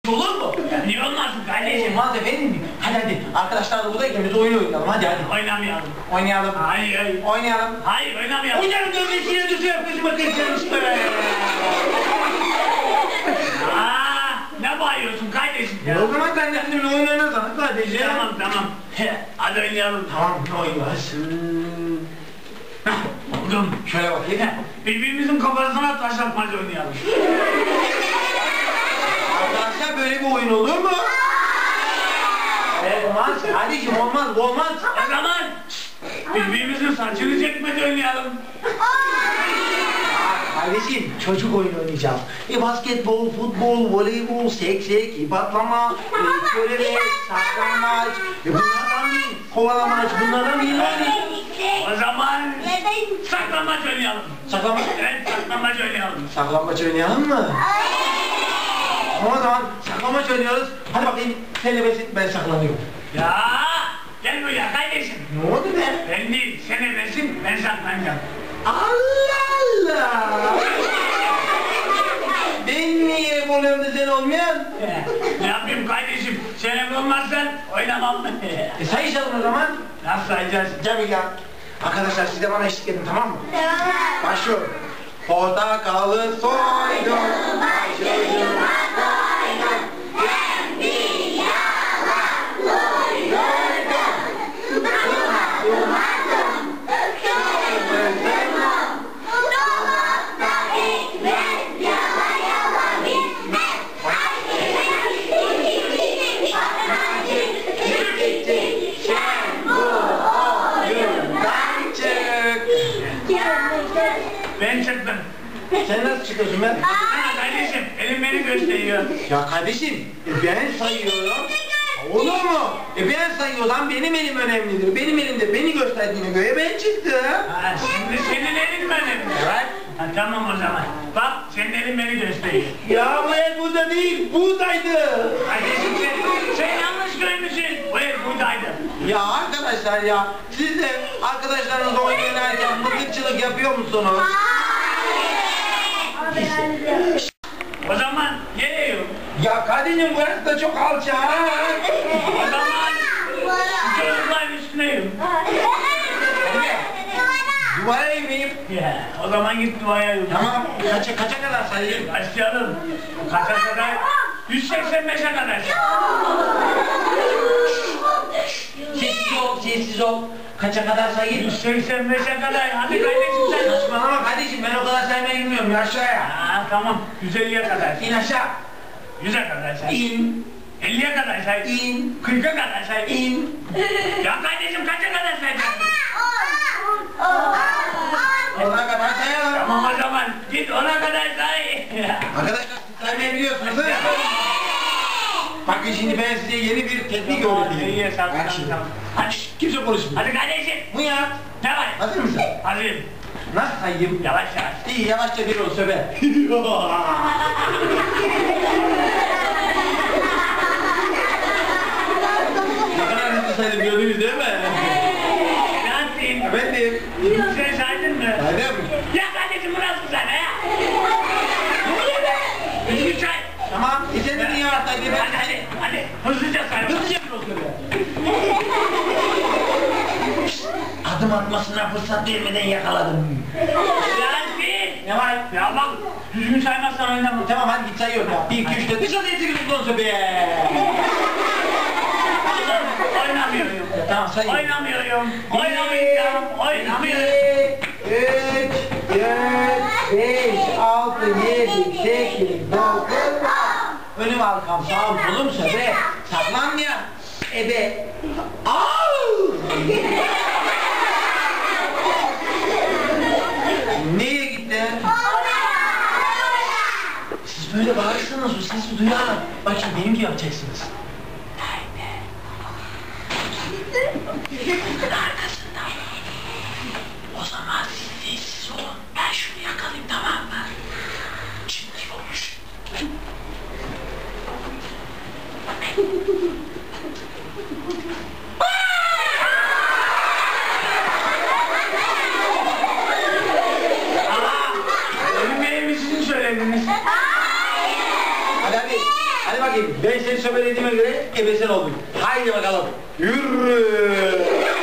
olur mu? Niye olmasın kardeşim? Olmaz efendim. Hadi arkadaşlar da buradayken biz oyun oynayalım hadi. Oynamayalım. Oynayalım. Hayır. Oynayalım. Hayır oynamayalım. Oynayalım dövmesiyle düşüyor gözüme kıracağım işte. Ne bağırıyorsun kardeşim ya? O zaman sen de bizimle oyun oynasana kardeşim. Tamam. Hadi oynayalım. Tamam ne oynuyorsun? Oğlum Şöyle bakayım. birbirimizin kafasına taş atmaca oynayalım. Arkadaşlar böyle bir oyun olur mu? Olmaz kardeşim olmaz bu olmaz. O zaman birbirimizin saçını çekmece oynayalım. Kardeşim çocuk oyunu oynayacağız. Basketbol, futbol, voleybol, seksek, ip atlama, körebe, saklanmaç, bunlardan değil, kovalamaç, bunlardan değil yani. O zaman saklanmaç oynayalım. Saklanmaç? Evet saklanmaç oynayalım. Saklanmaç oynayalım mı? O zaman saklanmaç oynuyoruz. Hadi bakayım sen ebesin ben saklanıyorum. Ya gel buraya kardeşim. Ne oldu be? Ben değil sen ebesin ben saklanacağım. Allah Allah! Ben niye oluyorum da sen olmayan? Ne yapayım kardeşim? Sen ebe olmazsan oynamam. Sayışalım o zaman. Nasıl sayacağız? Gel bir gel. Arkadaşlar siz de bana eşlik edin tamam mı? Başlıyorum. Portakalı soydum. Başucuma koydum. Ben bir yalan uydurdum. Dumadım. Kırmızım. Dolapta ekmek yala yala bitmez. Sen bu oyundan çık. Ben çıktım. Sen nasıl çıkıyorsun ben? Kardeşim elim beni gösteriyor. Ya kardeşim ben sayıyorum. Olur mu? Ben sayıyorsam benim elim önemlidir. Benim elimde beni gösterdiğine göre ben çıktım. Şimdi senin elin mi önemli? Evet. Tamam o zaman. Bak senin elin beni gösteriyor. Ya bu el burada değil, buradaydı. Kardeşim sen yanlış görmüşsün. Bu el buradaydı. Ya arkadaşlar ya, siz de arkadaşlarınızla oyun oynarken mızıkçılık yapıyor musunuz? O zaman geliyorum. Ya kardeşim burası da çok alçak. O zaman çocukların üstüneyim. Duvara eğmeyim. Ya, o zaman git duvaya yürü. Tamam, kaça kadar sayayım? Başlayalım. Kaça kadar? 185'e kadar. Sessiz ol. Kaça kadar sayayım? 185'e kadar. Hadi kardeşim sen. Saçmalama kardeşim, ben o kadar saymayı bilmiyorum, ya aşağıya. Tamam. 150'ye kadar. İn aşağı. 100'e kadar say. İn. 50'ye kadar say. İn. 40'a kadar say. İn. Ya kardeşim kaça kadar sayacaksın? Ona kadar sayalım. Tamam o zaman git ona kadar say. Arkadaşlar siz saymayı biliyorsunuz değil mi? Bakın şimdi ben size yeni bir teknik öğreteyim. Bak şimdi. Hadi. Kimse konuşmuyor. Hadi kardeşim. Bu ya. Ne var? Hazır mısın? Hazırım. Nasıl sayayım? Yavaş yavaş. İyi yavaşça bir ol söbe. Ne kadar hızlı saydım gördünüz değil mi? Ne yapayım? Efendim? Sen saydın mı? Saydım. Ya kardeşim burası sana ya. Düzgün say. Tamam. Sen de yavaş say diye ben Hadi. Hızlıca say. hızlıca bir ol söbe. Adım atmasına fırsat vermeden yakaladım. Yasin. Ne var? Ya bak düzgün saymazsan oynamam. Tamam hadi git sayıyorum ya. 1, 2, 3, 4, 5, 6, 7, 8, 9, 10 söbe. Oynamıyorum. Tamam sayayım. Oynamıyorum. 3, 4, 5, 6, 7, 8, 9, 10. Önüm arkam sağım solum söbe. Saklanmayan. Ebe. Au! Nereye gitti? Siz böyle bağırırsanız o sesi duyar. Bak şimdi benim gibi yapacaksınız. Arkasında. O zaman siz sessiz olun. Ben şunu yakalayayım tamam mı? Şimdi olmuş. Ölüm benim için söylediniz. Hadi. Hadi bakayım. Hadi ben seni sömelediğime göre ebesen oldun. Haydi bakalım. Yürü.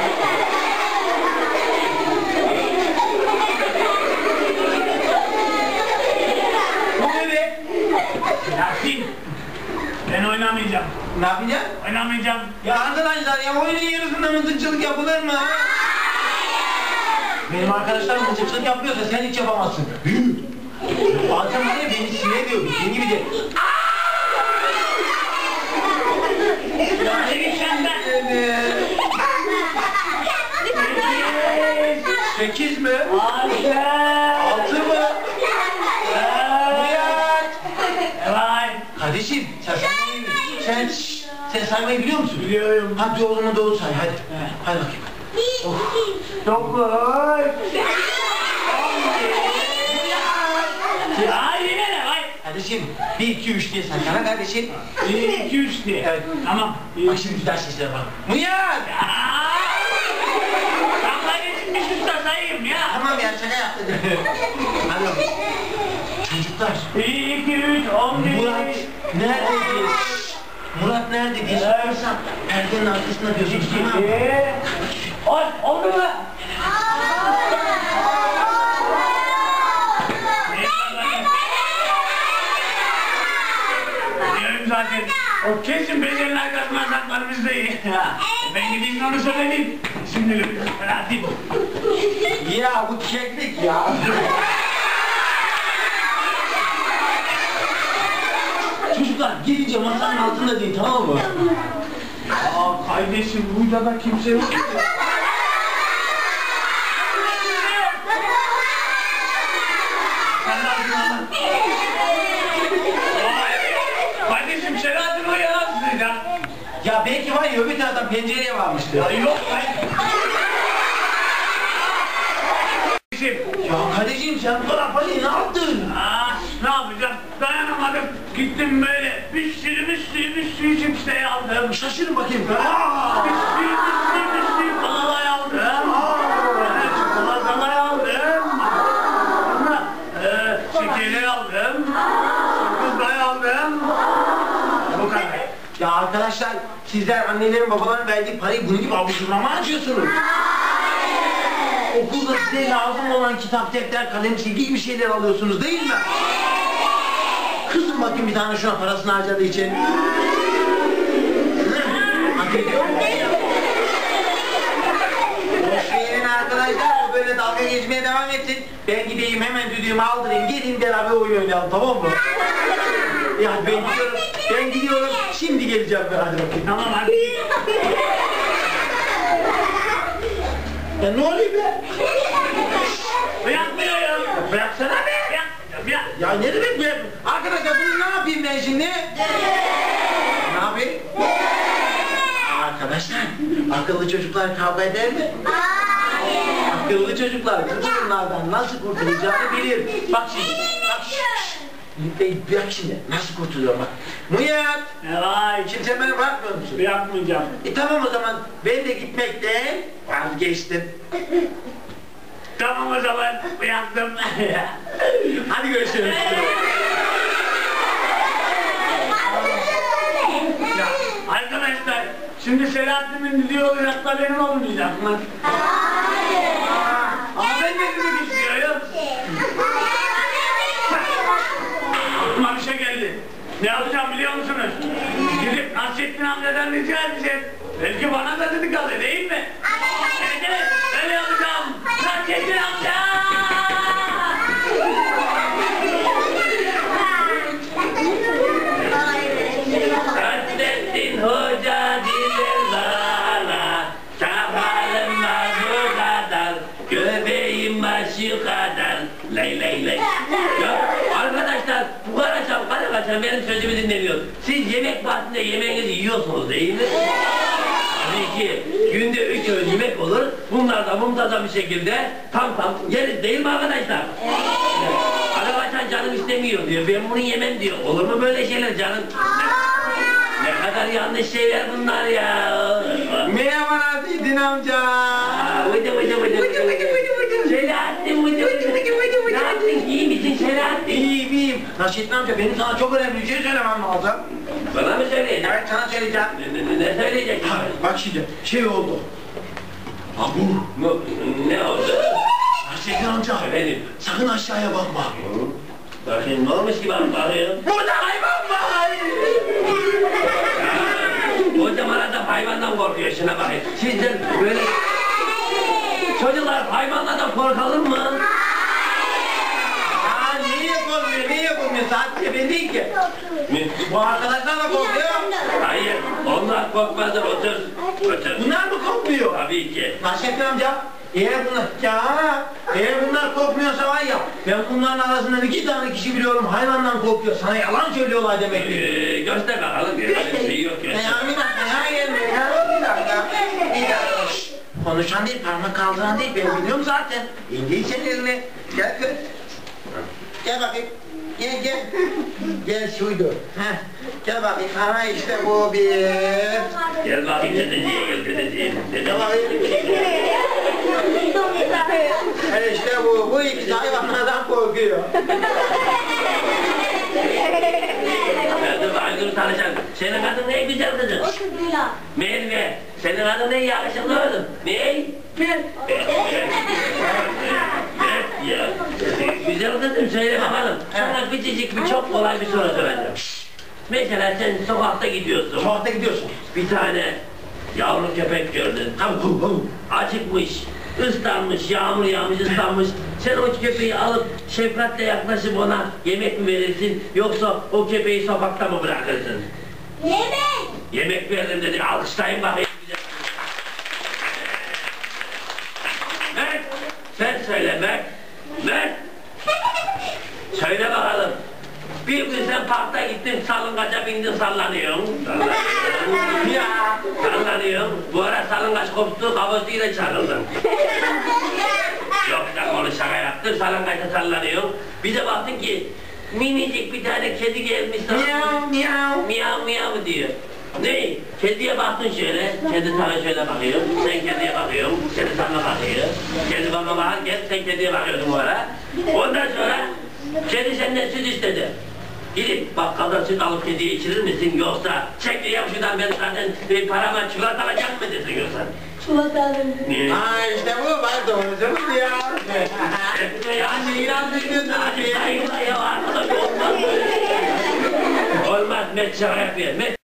Bu ne be? Yasin. Ben oynamayacağım. Ne yapacaksın? Oynamayacağım. Ya arkadaşlar ya oyunun yarısında mızıkçılık yapılır mı? Benim arkadaşlarım mızıkçılık yapıyorsa sen hiç yapamazsın. Bazen var ya beni sinir ediyor. Senin gibi de. Ya çekil senden. 8 mi? 6. 6 mı? Nihat! Vay. Kardeşim sen saymayı biliyor musun? Biliyorum. Hadi o zaman doğru say hadi. Hadi bakayım. 9. Ya yine ne vay? Kardeşim 1 2 3 diye say sana kardeşim. 1, 2, 3 diye. Evet. Tamam. Bak şimdi bir daha seslere bak. Nihat! Damla geçinmiş usta sayayım ya. Tamam ya şaka yaptım. Hadi bakalım. Çocuklar. 1, 2, 3, 11. Murat nerede diye. Murat nerede diye sorarsam perdenin arkasında diyorsunuz tamam mı? 10. Oldu mu? Biliyorum zaten. O kesin becerinin arkasından saklar bizdeyi. Ben gideyim onu söyleyeyim. Şimdi hadi. Ya bu keklik ya. Çocuklar gelince masanın altında değil tamam mı? Aa kardeşim burada da kimse yok. Sen ne yapıyorsun lan? Kardeşim Selahattin o ya sıcak. Ya belki var ya öbür taraftan pencereye varmıştı. Ya yok ben. Kardeşim. Ya kardeşim sen bu kadar parayı ne yaptın? Ne yapacağım? Dayanamadım. Gittim böyle bir sürü cipsleri aldım. Şaşırın bakayım. Bir sürü kolalay aldım. Evet, çikolatalar aldım. Sonra şekerler aldım. Sakızlar aldım. Bu kadar. Ya arkadaşlar sizler annelerin babaların verdiği parayı bunun gibi abuzuruna mı harcıyorsunuz? Okulda size lazım olan kitap, defter, kalem, silgi gibi şeyler alıyorsunuz değil mi? Kızım bakayım bir tane şuna parasını harcadığı için. Hak ediyor mu? Boş verin arkadaşlar, o böyle dalga geçmeye devam etsin. Ben gideyim hemen düdüğümü aldırayım, gelin beraber oyun oynayalım tamam mı? Ya ben gidiyorum, şimdi geleceğim ben hadi bakayım. Tamam hadi. Ya ne oluyor be? Bırakmıyorum. Bıraksana be! Bırak. Ya ne demek be? Arkadaşlar bunu ne yapayım ben şimdi? Ne yapayım? Arkadaşlar, akıllı çocuklar kavga eder mi? Akıllı çocuklar bunlardan nasıl kurtulacağını bilir. Bak şimdi, bak şimdi nasıl kurtuluyor bak. Nihat! Vay. Şimdi sen beni bırakmıyor musun? Bırakmayacağım. Tamam o zaman ben de gitmekten vazgeçtim. Tamam o zaman bıraktım. Hadi görüşürüz. Ya arkadaşlar şimdi Selahattin'in dediği olacak da benim olmayacak mı? Ama ben de demek istiyorum. Aklıma bir şey geldi. Ne yapacağım biliyor musunuz? Gidip Nasrettin amcadan rica edeceğim. Belki bana da dedik alır değil mi? Evet evet öyle yapacağım. Nasrettin amca! Nasrettin Hoca diler bana, sakalım var bu kadar, göbeğim var şu kadar, lay lay lay. Ya arkadaşlar bu kadar benim sözümü dinlemiyor. Siz yemek vaktinde yemeğinizi yiyorsunuz değil mi? Tabii ki günde 3 öğün yemek olur. Bunlar da muntazam bir şekilde tam yeriz değil mi arkadaşlar? Arkadaşlar canım istemiyor diyor. Ben bunu yemem diyor. Olur mu böyle şeyler canım? Ne kadar yanlış şeyler bunlar ya. Merhaba Nasrettin amca. Vıdı. Selahattin vıdı. Ne yaptın? İyi misin Selahattin? İyiyim. Nasrettin amca benim sana çok önemli bir şey söylemem lazım. Bana mı söyleyeceksin? Evet sana söyleyeceğim. Ne söyleyeceksin? Bak şimdi şey oldu. Ne oldu? Nasrettin amca. Efendim? Sakın aşağıya bakma. Bakayım ne olmuş ki bak bakıyorum. Burada hayvan var. Kocaman adam hayvandan korkuyor, şuna bakayım. Sizden böyle... Çocuklar hayvanlardan korkalım mı? Aa niye korkmuyor? Niye korkmuyor? Sadece ben değil ki. Bu arkadaşlar da korkuyor. Hayır, onlar korkmazlar, otur. Otur. Bunlar mı korkmuyor? Tabii ki. Nasrettin amca. Eğer bunlar korkmuyorsa var ya, ben bunların arasından 2 tane kişi biliyorum hayvandan korkuyor. Sana yalan söylüyorlar demek ki. Göster bakalım, bir şey yok göster. Bir dakika. Şşt, konuşan değil, parmak kaldıran değil, ben biliyorum zaten. İndir sen elini. Gel kız. Gel bakayım. Gel. Gel şuydu. Heh. Gel bakayım. Aha işte bu bir. Gel bakayım dedeciğe, gel dedeciğe. Gel bakayım. İşte bu. Bu ikisi hayvanlardan korkuyor. Dur tanışalım. Senin adın ne güzel kızım? Merve. Senin adın ne yakışıklı oğlum? Ne? Ya. Güzel kızım söyle bakalım. Sana küçücük bir çok kolay bir soru soracağım. Mesela sen sokakta gidiyorsun. Sokakta gidiyorsun. Bir tane yavru köpek gördün. Acıkmış, ıslanmış, yağmur yağmış, ıslanmış. Sen o köpeği alıp şefkatle yaklaşıp ona yemek mi verirsin yoksa o köpeği sokakta mı bırakırsın? Yemek. Yemek verdim dedi. Alkışlayın bakayım. Mert, sen söyle Mert. Mert. Söyle bakalım. Bir gün sen parkta gittin, salıngaca bindin, sallanıyorsun. Sallanıyorsun. Bu ara salıngaç koptu, kafasıyla çarıldın. Yok da onu şaka yaptın, salıngaca sallanıyorsun. Bir de baktın ki minicik bir tane kedi gelmiş sana. Miyav miyav diyor. Ne? Kediye baktın şöyle, kedi sana şöyle bakıyor, sen kediye bakıyorsun, kedi sana bakıyor. Kedi bana bakarken sen kediye bakıyorsun bu ara. Ondan sonra kedi senden süt istedi. Gidip bakkaldan süt alıp kediye içirir misin yoksa çek yap şuradan ben zaten parama çikolata alacak mı desin yoksa? Çikolata alırım. Aa işte bu bak doğrusu ya. Yani inandırdın hadi saygıla ya arkadaş olmaz. Olmaz Met şaka yapıyor.